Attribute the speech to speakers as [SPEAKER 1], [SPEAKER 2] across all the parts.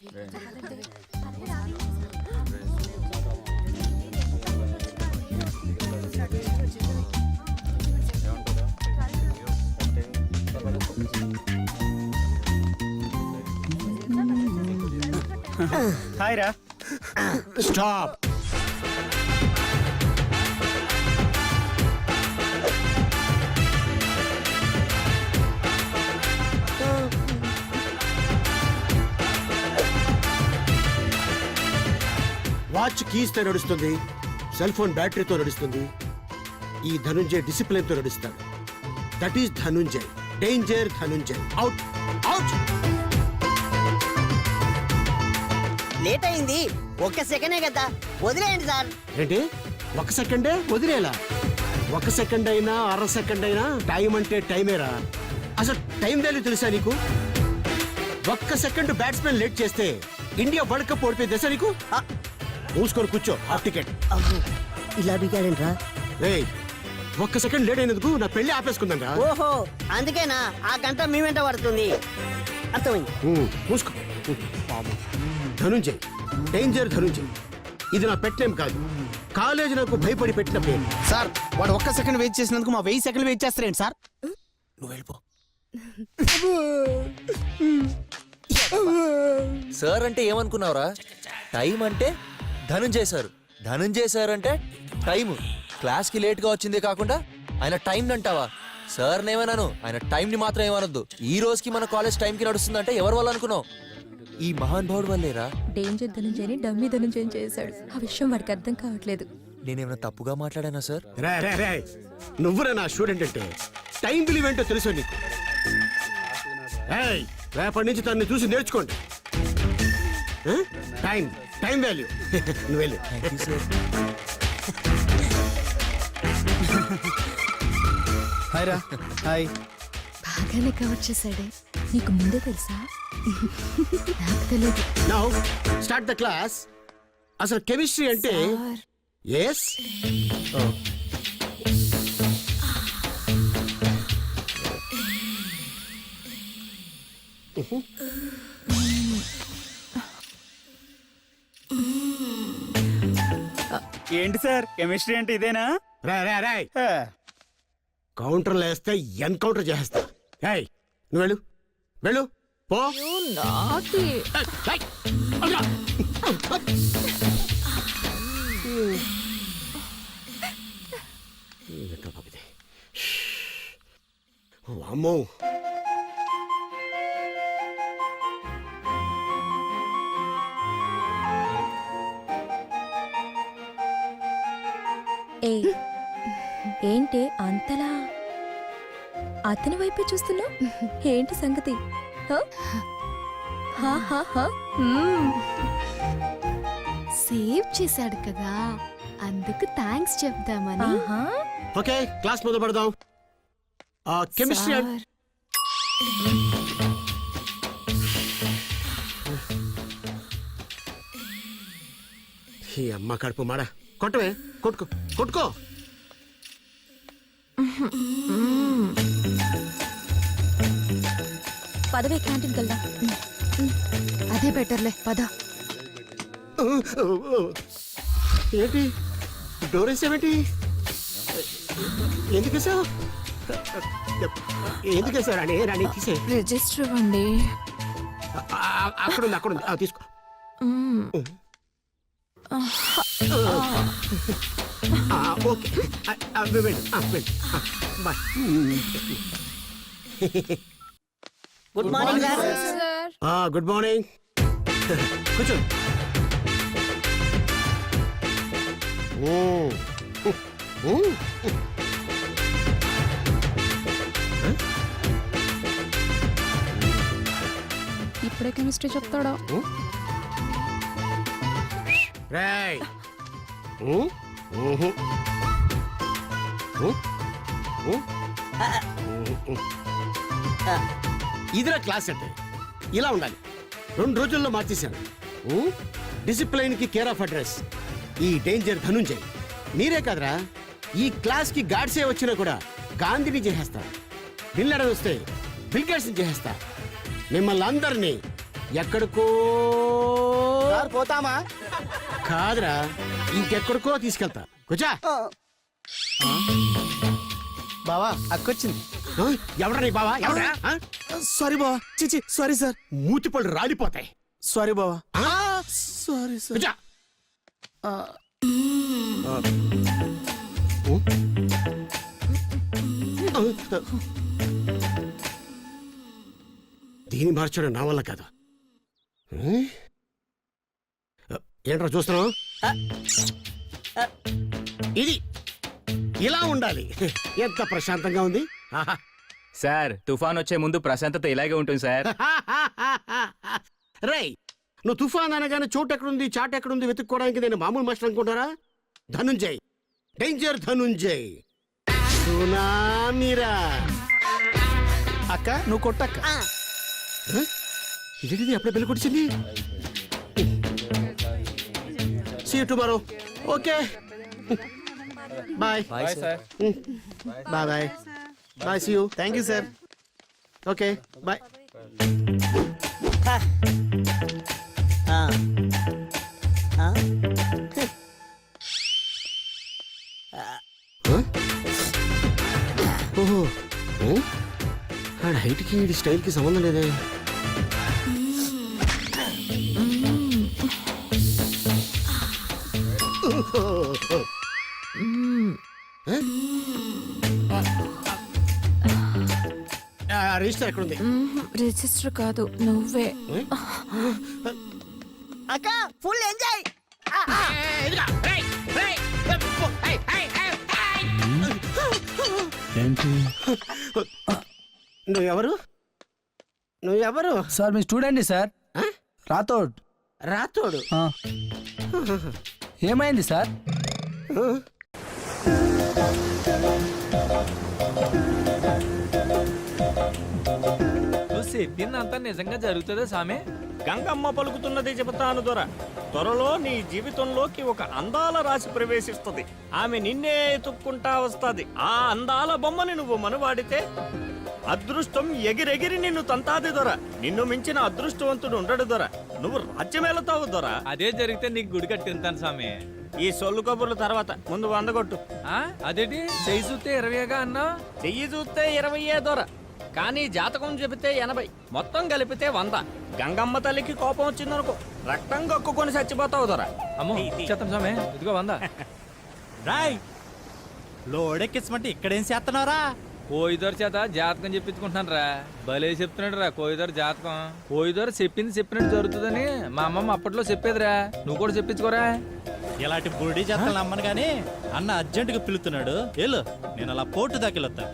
[SPEAKER 1] Hi రా.
[SPEAKER 2] Stop. Watch కీస్తో నడుస్తుంది, cell phone బ్యాటరీతో నడుస్తుంది. ఈ ధనుంజయ్ డిసిప్లిన్ తో నడుస్తాడు. That is Dhananjay. Danger Dhananjay. Out out.
[SPEAKER 3] Late అయింది, ఒక్క సెకండే కదా, వదిలేయండి సార్.
[SPEAKER 2] ఏంటి ఒక సెకండే వదిలేలా? ఒక సెకండ్ అయినా అర సెకండ్ అయినా టైం అంటే టైమేరా. అసలు టైం వాల్యూ తెలుసా నీకు? ఒక్క సెకండ్ బ్యాట్స్మెన్ లేట్ చేస్తే ఇండియా వరల్డ్ కప్ ఓడిపోయి తెలుసా నీకు? మూసుకొని కూర్చో. Half ticket.
[SPEAKER 3] ఇలా బిగాడంట్రా.
[SPEAKER 2] రేయ్, ఒక్క సెకండ్ లేట్ అయినందుకు నా పెళ్లి ఆపేసుకుందాం రా.
[SPEAKER 3] ఓహో, అందుకేనా ఆ గంట మీ వెంట పడుతుంది. అర్థమైంది.
[SPEAKER 2] మూసుకో. ధనుంజయ్, డేంజర్ ధనుంజయ్. ఇది నా పెట్ నేమ్ కాదు, కాలేజ్ నాకు భయపడి పెట్టిన పేరు.
[SPEAKER 1] సార్, వాడు ఒక్క సెకండ్ వెయిట్ చేసినందుకు మా 1000 సెకండ్లు వెయిట్ చేస్తారేంటి సార్?
[SPEAKER 2] నువ్వు వెళ్ళిపో.
[SPEAKER 4] సార్ అంటే ఏమనుకున్నావురా? టైం అంటే ధనుంజయ్ సార్. ధనుంజయ్ సార్ అంటే టైం. క్లాస్కి లేట్గా వచ్చిందే కాకుండా ఆయన టైం అంటావా? సార్ నేమన్నాను, ఆయన టైంని మాత్రం ఏమనొద్దు. ఈ రోజుకి మన కాలేజ్ టైంకి నడుస్తుందంటే ఎవరి వల్ల అనుకున్నావు? ఈ మహాన్ భావుడు వల్లేరా.
[SPEAKER 5] డేంజర్ ధనుంజయని డమ్మీ ధనుంజయం చేశాడు. ఆ విషయం వాడికి అర్థం కావట్లేదు.
[SPEAKER 4] నేనేమైనా తప్పుగా మాట్లాడానా సార్?
[SPEAKER 2] నువ్వురా నా స్టూడెంట్ అంటే టైం విలువ ఏంటో తెలుసు నీకు. రేపటి నుంచి తనని చూసి నేర్చుకోండి. Time time value. నువ్వు వెళ్ళు.
[SPEAKER 1] హాయ్ రా. హాయ్.
[SPEAKER 5] బాగానే కవర్ చేశాడే. నీకు ముందే తెలుసా? నాకు తెలియదు.
[SPEAKER 2] Now start the class. అసలు కెమిస్ట్రీ అంటే ఎస్.
[SPEAKER 1] ఏంటి సార్, కెమిస్ట్రీ అంటే ఇదేనా?
[SPEAKER 2] రాయ్ కౌంటర్లు వేస్తే ఎన్కౌంటర్ చేస్తా. నువ్వు వెళ్ళు వెళ్ళు పో. అమ్మో,
[SPEAKER 5] ఏంటి అంతలా అతని వైపే చూస్తున్నా? ఏంటి సంగతి?
[SPEAKER 6] సేవ్ చేశాడు కదా, అందుకు థ్యాంక్స్ చెప్దామని.
[SPEAKER 2] ఓకే, క్లాస్ మొదలు పెడదాం. కెమిస్ట్రీ ఈ అమ్మ కడుపు మాడ. కొట్టవే, కొట్టుకో కొట్టుకో.
[SPEAKER 5] పదవే, క్యాంటీన్కి వెళ్దాం.
[SPEAKER 6] అదే బెటర్లే, పద.
[SPEAKER 2] ఏంటి డోర్ వేసావేంటి? ఎందుకు వేసావు? ఎందుకు వేసావు? రాణి రాణి తీసే.
[SPEAKER 6] రిజిస్టర్ ఇవ్వండి.
[SPEAKER 2] అక్కడుంది అక్కడుంది, తీసుకో. Okay, bye.
[SPEAKER 3] Good morning sir.
[SPEAKER 2] Good morning. కూర్చో.
[SPEAKER 6] ఇప్పుడే కెమిస్ట్రీ చెప్తాడా?
[SPEAKER 2] రాయ్. ఇదిరా క్లాస్ అంటే ఇలా ఉండాలి. 2 రోజుల్లో మార్చేశాను. డిసిప్లైన్ కి కేర్ ఆఫ్ అడ్రస్ ఈ డేంజర్ ధనుంజయ్. మీరే కాదురా, ఈ క్లాస్ కి గాడ్సే వచ్చినా కూడా గాంధీని చేసేస్తా. బిల్ లడన్ వస్తే బిల్ గేట్స్ చేసేస్తా. మిమ్మల్ని అందరినీ ఎక్కడికో
[SPEAKER 1] సార్ పోతామా?
[SPEAKER 2] కాదురా, ఇంకెక్కడికో తీసుకెళ్తా. కూర్చో.
[SPEAKER 1] బావా అక్కొచ్చింది.
[SPEAKER 2] ఎవరా నీ బావా? ఎవరా?
[SPEAKER 1] సారీ బావా, చిచి సారీ సార్.
[SPEAKER 2] మూతిపళ్ళు రాలిపోతాయి.
[SPEAKER 1] సారీ బావా. Sorry sir.
[SPEAKER 2] కూర్చో. దీన్ని మార్చడం నా వల్ల కాదు. ఏంట్రా చూస్తున్నావు? ఇది ఇలా ఉండాలి. ఎంత ప్రశాంతంగా ఉంది. ఆహా.
[SPEAKER 7] సార్ తుఫాన్ వచ్చే ముందు ప్రశాంతత ఇలాగే ఉంటుంది సార్.
[SPEAKER 2] రేయ్, నువ్వు తుఫాన్ అనగానే చోటు ఎక్కడుంది చాట్ ఎక్కడుంది వెతుక్కోవడానికి నేను మామూలు మాస్టర్ అనుకుంటారా? ధనుంజయ్, డేంజర్ ధనుంజయ్, సునామీరా.
[SPEAKER 1] అక్క నువ్వు కొట్టక్క.
[SPEAKER 2] ఇదేంటిది అప్పుడే బెల్ కొట్టింది? See you tomorrow. Okay bye.
[SPEAKER 4] Bye sir.
[SPEAKER 2] Bye bye bye. See you.
[SPEAKER 1] Thank you sir.
[SPEAKER 2] Okay bye. ఓహో, ఆడ హైట్కి ఈ స్టైల్కి సంబంధం లేదే. రిజిస్టర్ ఎక్కడుంది?
[SPEAKER 6] రిజిస్టర్ కాదు నువ్వే.
[SPEAKER 3] అక్క ఫుల్ ఎంజాయ్.
[SPEAKER 2] నువ్వెవరు? నువ్వెవరు?
[SPEAKER 1] సార్ మీ స్టూడెంట్ సార్.
[SPEAKER 2] ఆ?
[SPEAKER 1] రాథోడ్.
[SPEAKER 2] రాతోడు.
[SPEAKER 1] ఏమైంది సార్?
[SPEAKER 8] నువ్వు చెప్పిందంతా నిజంగా జరుగుతుందా సామె? గంగమ్మ పలుకుతున్నది చెబుతాను దొర. త్వరలో నీ జీవితంలోకి ఒక అందాల రాశి ప్రవేశిస్తుంది. ఆమె నిన్నే ఎత్తుక్కుంటా వస్తాది. ఆ అందాల బొమ్మని నువ్వు మనవాడితే అదృష్టం ఎగిరెగిరి నిన్ను తంతాది దొర. నిన్ను మించిన అదృష్టవంతుడు ఉండడు దొర. నువ్వు రాజ్యమేళతావు దొర.
[SPEAKER 9] అదే జరిగితే నీకు గుడి కట్టింతాను సామి.
[SPEAKER 8] ఈ సొల్లు కబుర్ల తర్వాత ముందు వందగొట్టు.
[SPEAKER 9] అదేంటి చెయ్యి చూస్తే 20గా అన్నా?
[SPEAKER 8] చెయ్యి చూస్తే 20 దొర, కానీ జాతకం చెబితే 80, మొత్తం కలిపితే 100. గంగమ్మ తల్లికి కోపం వచ్చిందనుకో, రక్తం కక్కుకొని చచ్చిపోతావు దొర.
[SPEAKER 9] అమ్మో చెత్తం సామె, ఇదిగో 100.
[SPEAKER 10] రాయ్ లోడెక్కించమంటే ఇక్కడేం చేస్తున్నారా?
[SPEAKER 9] కోయిదొర చేత జాతకం చెప్పించుకుంటున్నాను రా. భలే చెప్తున్నాడు రా కోయిదొర జాతకం. కోయిదొర చెప్పింది చెప్పినట్టు జరుగుతుందని మా అమ్మమ్మ అప్పట్లో చెప్పేదిరా. నువ్వు కూడా చెప్పించుకోరా.
[SPEAKER 10] ఇలాంటి బుడి చేతలు నమ్మను గాని అన్న అర్జెంటుగా పిలుతున్నాడు. వెళ్ళు, నేను అలా పోటు దాకిలొత్తా.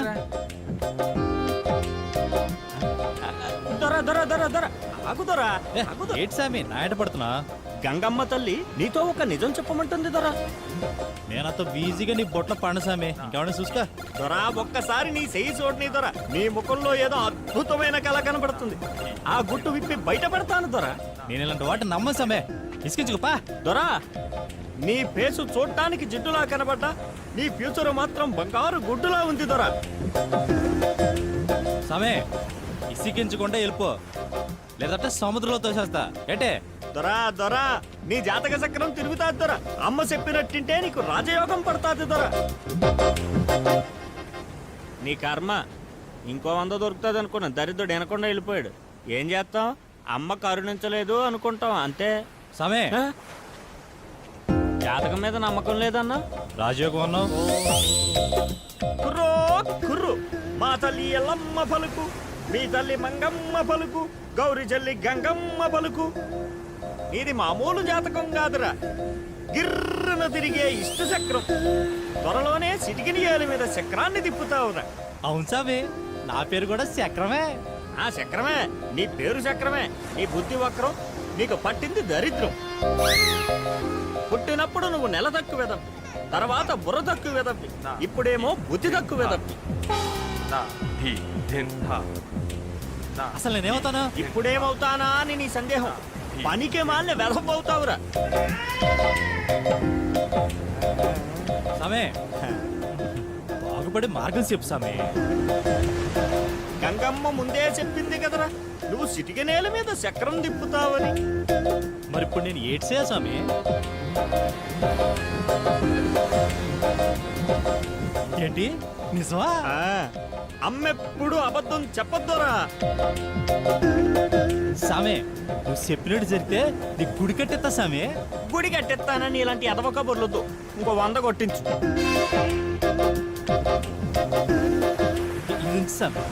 [SPEAKER 8] దొర దొర దొర దొర ఆగు దొర, ఆగు దొర.
[SPEAKER 10] ఏంటి సామి నాయట పడుతున్నా?
[SPEAKER 8] గంగమ్మ తల్లి నీతో ఒక నిజం చెప్పమంటుంది దొర.
[SPEAKER 10] నేనంత ఈజీగా నీ బొట్ల పండు సామి. ఇంకేమన్నా చూసుకో
[SPEAKER 8] దొర, ఒక్కసారి నీ చెయ్యి చూడని దొర. నీ ముఖంలో ఏదో అద్భుతమైన కళ కనబడుతుంది. ఆ గుట్టు విప్పి బయట పెడతాను దొర.
[SPEAKER 10] నేను ఇలాంటి వాటిని నమ్మను సామే. ఇసుకించుకోపా.
[SPEAKER 8] దొరా, నీ ఫేసు చూడటానికి జిడ్డులా కనబడ్డా నీ ఫ్యూచర్ మాత్రం బంగారు గుడ్డులా ఉంది దొరా.
[SPEAKER 10] సామే ఇసుకించకుండా వెళ్ళిపో, లేదంటే సముద్రంలో తోసేస్తా. ఏంటే
[SPEAKER 8] దొరా దొరా, నీ జాతక చక్రం తిరుగుతాది దొరా. అమ్మ చెప్పినట్టింటే నీకు రాజయోగం పడతాది దొరా. నీ కర్మ, ఇంకో 100 దొరుకుతుంది అనుకున్నా. దరిద్రుడు వినకుండా వెళ్ళిపోయాడు. ఏం చేస్తాం? అమ్మ కరుణించలేదు అనుకుంటాం అంతే.
[SPEAKER 10] సామే
[SPEAKER 8] జాతకం మీద నమ్మకం లేదన్నా.
[SPEAKER 10] రాజయోగం అన్నావు.
[SPEAKER 8] కుర్రో కుర్రు, మా తల్లి ఎల్లమ్మ పలుకు, మీ తల్లి మంగమ్మ పలుకు, గౌరి చెల్లి గంగమ్మ పలుకు. ఇది మామూలు జాతకం కాదురా, గిర్రన తిరిగే ఇష్ట చక్రం. త్వరలోనే సిటికిని ఏల మీద చక్రాన్ని తిప్పుతావురా.
[SPEAKER 10] అవును సామి, నా పేరు కూడా చక్రమే.
[SPEAKER 8] ఆ చక్రమే, నీ పేరు చక్రమే. నీ బుద్ధి వక్రం, నీకు పట్టింది దరిద్రం. పుట్టినప్పుడు నువ్వు నెల తక్కువ వెదప్పి, తర్వాత బుర్ర తక్కువ వెదప్పి, ఇప్పుడేమో బుద్ధి తక్కువ వెదప్పి.
[SPEAKER 10] అసలు నేనేమవుతాను?
[SPEAKER 8] ఇప్పుడేమవుతానా అని నీ సందేహం. పనికే మాలిన వెదపవుతావురా.
[SPEAKER 10] సామే బాగుపడి మార్గం చెప్పు సామే.
[SPEAKER 8] గంగమ్మ ముందే చెప్పింది కదరా నువ్వు సిటిక నేల మీద చక్రం తిప్పుతావని.
[SPEAKER 10] మరి ఇప్పుడు నేను ఏడ్చా స్వామి. ఏంటి నిజమా?
[SPEAKER 8] ఆ, అమ్మెప్పుడు అబద్ధం చెప్పొద్దురా.
[SPEAKER 10] సామే నువ్వు చెప్పినట్టు జరిగితే నీ గుడి కట్టెత్తా సామే.
[SPEAKER 8] గుడి కట్టెత్తానని ఇలాంటి ఎదవ కబుర్లొద్దు. ఇంకో 100 కొట్టించు.
[SPEAKER 10] ఇది సామే.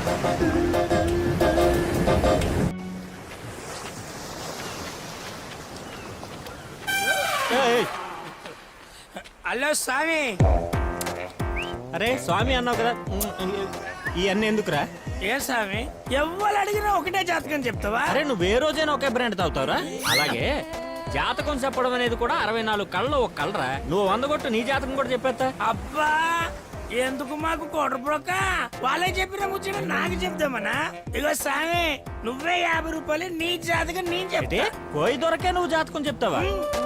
[SPEAKER 8] ఏయ్,
[SPEAKER 1] హలో స్వామి.
[SPEAKER 8] అరే స్వామి అన్నావు కదా, ఇవన్నీ ఎందుకురా?
[SPEAKER 1] ఏ స్వామి, ఎవ్వరు అడిగినా ఒకటే జాతకం చెప్తావా?
[SPEAKER 8] అరే నువ్వు ఏ రోజైనా ఒకే బ్రాండ్ తాగుతావురా? అలాగే జాతకం చెప్పడం అనేది కూడా 64 కళ్ళలో ఒక కలరా. నువ్వు 100 కొట్టు, నీ జాతకం కూడా చెప్పేస్తా.
[SPEAKER 1] అబ్బా, ఎందుకు మాకు కొడబ్రోక? వాళ్ళే చెప్పిన ముచ్చట నాకు చెప్తామనా? ఇగో స్వామి, నువ్వే 50 రూపాయలు, నీ జాతకం నేను చెప్తే
[SPEAKER 8] కోయి దొరకే నువ్వు జాతకం చెప్తావా?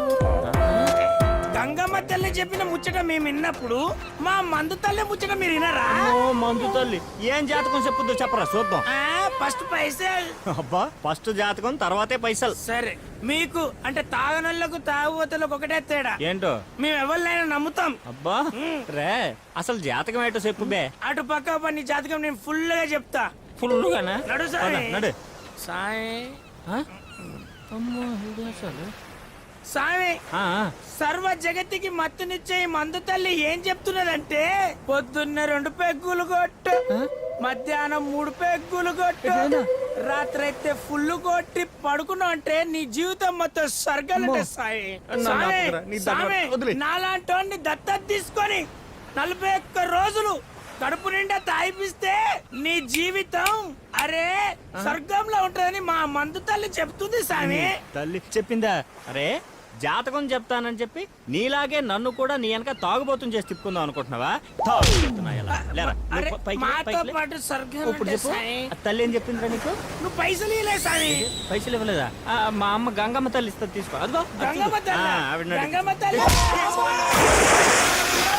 [SPEAKER 1] గంగమ్మ తల్లి చెప్పిన ముచ్చట మేము విన్నప్పుడు మా మందు తల్లి ముచ్చట మీరు వినరా?
[SPEAKER 8] ఓ మందు తల్లి, ఏం జాతకం చెప్పుద్దో చెప్పరా చూద్దాం.
[SPEAKER 1] ఫస్ట్ పైసలు.
[SPEAKER 8] అబ్బా, ఫస్ట్ జాతకం తర్వాతే పైసలు.
[SPEAKER 1] సరే, మీకు అంటే తాగనోళ్ళకు తాగుబోతులకు ఒకటే తేడా.
[SPEAKER 8] ఏంటో?
[SPEAKER 1] మేము ఎవరినైనా నమ్ముతాం.
[SPEAKER 8] అబ్బా రే, అసలు జాతకం ఏంటో చెప్పు బే.
[SPEAKER 1] అటు పక్క పని జాతకం నేను ఫుల్ గా చెప్తా.
[SPEAKER 8] ఫుల్లుగానా?
[SPEAKER 1] నడు సాయి.
[SPEAKER 8] నడు.
[SPEAKER 1] సాయి,
[SPEAKER 8] ఆ? అమ్మో, ఇది అసలు.
[SPEAKER 1] సాయి,
[SPEAKER 8] ఆ, ఆ.
[SPEAKER 1] సర్వ జగత్తుకి మత్తునిచ్చే ఈ మందు తల్లి ఏం చెప్తున్నదంటే, పొద్దున్నే 2 పెగ్గులు కొట్టు, మధ్యాహ్నం 3 పెగ్గులు కొట్టు, రాత్రి అయితే ఫుల్ కొట్టి పడుకున్నావు అంటే నీ జీవితం మొత్తం స్వర్గాలంటే సాయి. సాయి, సాయి, నాలాంటి దత్తత తీసుకొని 41 రోజులు కడుపు నిండా తాగిపిస్తే నీ జీవితం అరే స్వర్గంలో ఉంటుందని మా మందు తల్లి చెప్తుంది సామి.
[SPEAKER 8] తల్లి చెప్పిందా? అరే జాతకం చెప్తానని చెప్పి నీలాగే నన్ను కూడా నీ వెనక తాగుబోతుని చేసి తిప్పుకుందాం అనుకుంటున్నావా? తాగు చెప్తున్నా ఇలా. లేరా,
[SPEAKER 1] అరే
[SPEAKER 8] నువ్వు పైకి లే,
[SPEAKER 1] మాతో
[SPEAKER 8] పైకి లే.
[SPEAKER 1] పాటు స్వర్గం
[SPEAKER 8] ఇప్పుడు
[SPEAKER 1] అంటే
[SPEAKER 8] చెప్పు,
[SPEAKER 1] సాయి.
[SPEAKER 8] ఆ తల్లి ఏం చెప్పిందిరా నీకు?
[SPEAKER 1] నువ్వు పైసలు ఇలే సామి.
[SPEAKER 8] పైసలు ఇవ్వలేదా? మా అమ్మ గంగమ్మ తల్లి ఇస్తుంది, తీసుకో. అదిగో అది చూడు.
[SPEAKER 1] గంగమ్మ తల్లి,
[SPEAKER 8] ఆ, ఆవిడ నడు.
[SPEAKER 1] గంగమ్మ తల్లి.